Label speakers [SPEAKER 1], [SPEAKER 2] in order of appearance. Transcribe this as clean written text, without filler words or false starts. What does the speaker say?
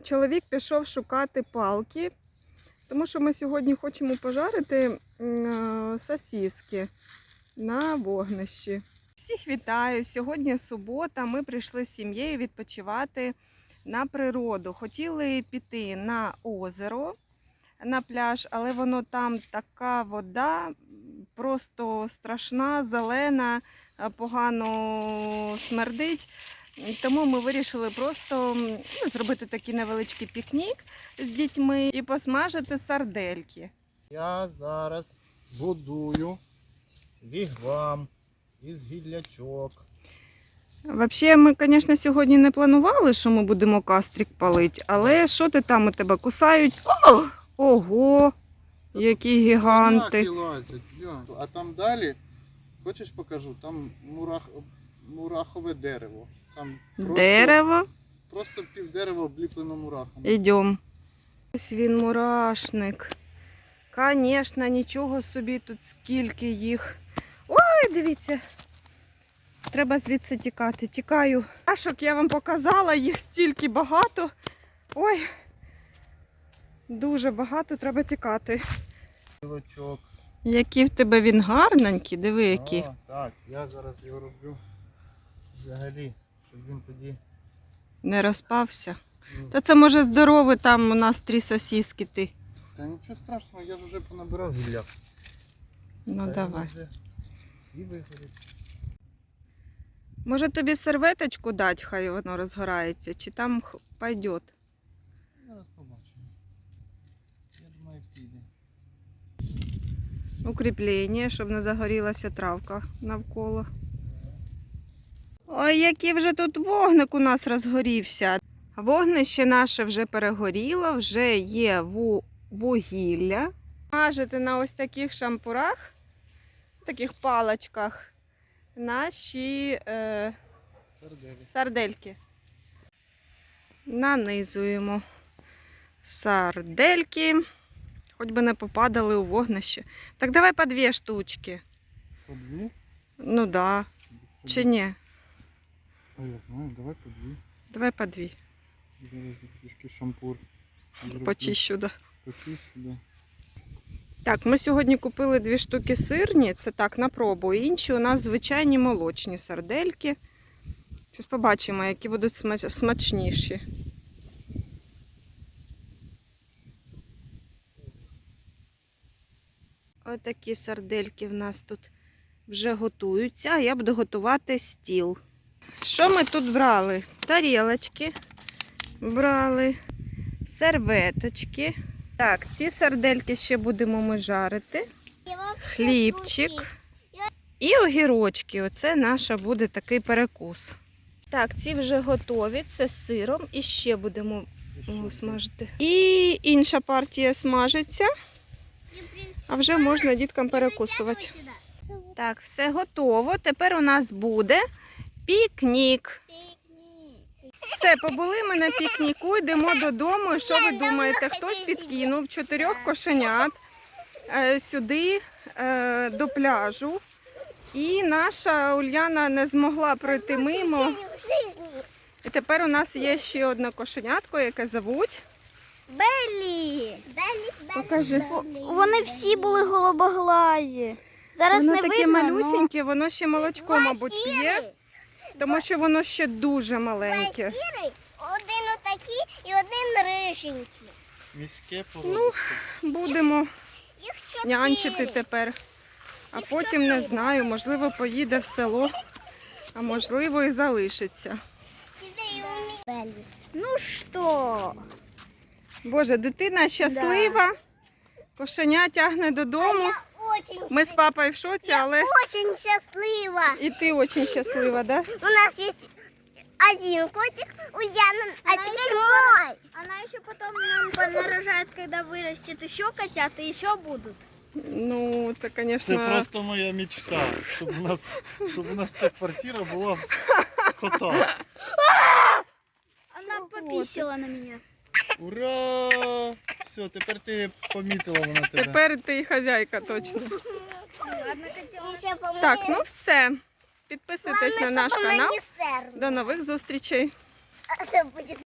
[SPEAKER 1] чоловік пішов шукати палки, тому що ми сьогодні хочемо пожарити сосиски на вогнищі. Всіх вітаю! Сьогодні субота, ми прийшли з сім'єю відпочивати на природу. Хотіли піти на озеро, на пляж, але воно там така вода, просто страшна, зелена, погано смердить. Тому ми вирішили просто зробити такий невеличкий пікнік з дітьми і посмажити сардельки.
[SPEAKER 2] Я зараз будую вігвам із гіллячок.
[SPEAKER 1] Взагалі, ми, звісно, сьогодні не планували, що ми будемо кастрик палити, але що ти там, у тебе кусають? О! Ого! Які гіганти!
[SPEAKER 2] Лазять. А там далі, хочеш покажу, там мурахове дерево. Там
[SPEAKER 1] Дерево?
[SPEAKER 2] Просто півдерева обліплено мурахом.
[SPEAKER 1] Ідемо. Ось він мурашник. Звісно, нічого собі, тут скільки їх. Ой, дивіться. Треба звідси тікати. Тікаю. Мурашок я вам показала, їх стільки багато. Ой, дуже багато, треба тікати.
[SPEAKER 2] Гілочок.
[SPEAKER 1] Який в тебе він гарненький, диви який.
[SPEAKER 2] Так, я зараз його роблю взагалі, щоб він тоді
[SPEAKER 1] Не розпався. Та це може здоровий, там у нас 3 сосиски ти.
[SPEAKER 2] Та нічого страшного, я ж вже понабирав гілля.
[SPEAKER 1] Ну
[SPEAKER 2] Та
[SPEAKER 1] давай.
[SPEAKER 2] вже всі вигорять.
[SPEAKER 1] Може тобі серветочку дати, хай воно розгорається, чи там пойде?
[SPEAKER 2] Зараз побачимо. Я думаю, піде.
[SPEAKER 1] Укріплення, щоб не загорілася травка навколо. Ой, який вже тут вогник у нас розгорівся. Вогнище наше вже перегоріло, вже є вугілля. Мажете на ось таких шампурах, таких паличках, наші сардельки. Нанизуємо сардельки, хоч би не попадали у вогнище. Так давай по 2 штучки.
[SPEAKER 2] По 2?
[SPEAKER 1] Ну да. Чи ні?
[SPEAKER 2] А я знаю, давай по 2.
[SPEAKER 1] Давай по 2.
[SPEAKER 2] Зараз я трішки шампур зроблю.
[SPEAKER 1] Почищу, да.
[SPEAKER 2] Почищу, да.
[SPEAKER 1] Так, ми сьогодні купили 2 штуки сирні, це так, на пробу. Інші у нас звичайні молочні сардельки. Зараз побачимо, які будуть смачніші. Ось такі сардельки в нас тут вже готуються, а я буду готувати стіл. Що ми тут брали? Тарілочки брали, серветочки. Так, ці сардельки ще будемо ми жарити. Хлібчик і огірочки. Оце наша буде такий перекус. Так, ці вже готові, це з сиром. І ще будемо смажити. І інша партія смажиться, а вже можна діткам перекусувати. Так, все готово. Тепер у нас буде пікнік. Все, побули ми на пікніку, йдемо додому. І що ви думаєте? Хтось підкинув 4 кошенят сюди, до пляжу. І наша Ульяна не змогла пройти мимо. І тепер у нас є ще одне кошенятко, яке звуть
[SPEAKER 3] Беллі.
[SPEAKER 1] Покажи.
[SPEAKER 3] Вони всі були голубоглазі. Зараз
[SPEAKER 1] Воно
[SPEAKER 3] не
[SPEAKER 1] таке
[SPEAKER 3] видно,
[SPEAKER 1] малюсіньке, воно ще молочко, мабуть, п'є, тому що воно ще дуже маленьке.
[SPEAKER 3] Один отакий і один риженький.
[SPEAKER 2] Міське породисте.
[SPEAKER 1] Будемо
[SPEAKER 3] Їх 4.
[SPEAKER 1] нянчити тепер. А потім, не знаю, можливо, поїде в село, а можливо і залишиться.
[SPEAKER 3] Ну що?
[SPEAKER 1] Боже, дитина щаслива, кошеня тягне додому. Ми з папою в шоці, але
[SPEAKER 3] Очень щаслива.
[SPEAKER 1] і ти дуже щаслива, да?
[SPEAKER 3] У нас є один котик, Ульяна, а теперь мой. Она еще потом нам понарожает, когда вырастет еще котят, и еще будут.
[SPEAKER 1] Ну, це,
[SPEAKER 2] Це
[SPEAKER 1] звісно,
[SPEAKER 2] просто моя мечта, щоб у нас ця квартира була кота.
[SPEAKER 3] Она пописала на меня.
[SPEAKER 2] Ура! Все, тепер ти помітила вона тебе.
[SPEAKER 1] тепер ти і хазяйка точно.
[SPEAKER 3] Ладно, котенок.
[SPEAKER 1] Так, ну все. Підписуйтесь на наш канал. До нових зустрічей.
[SPEAKER 3] Это будет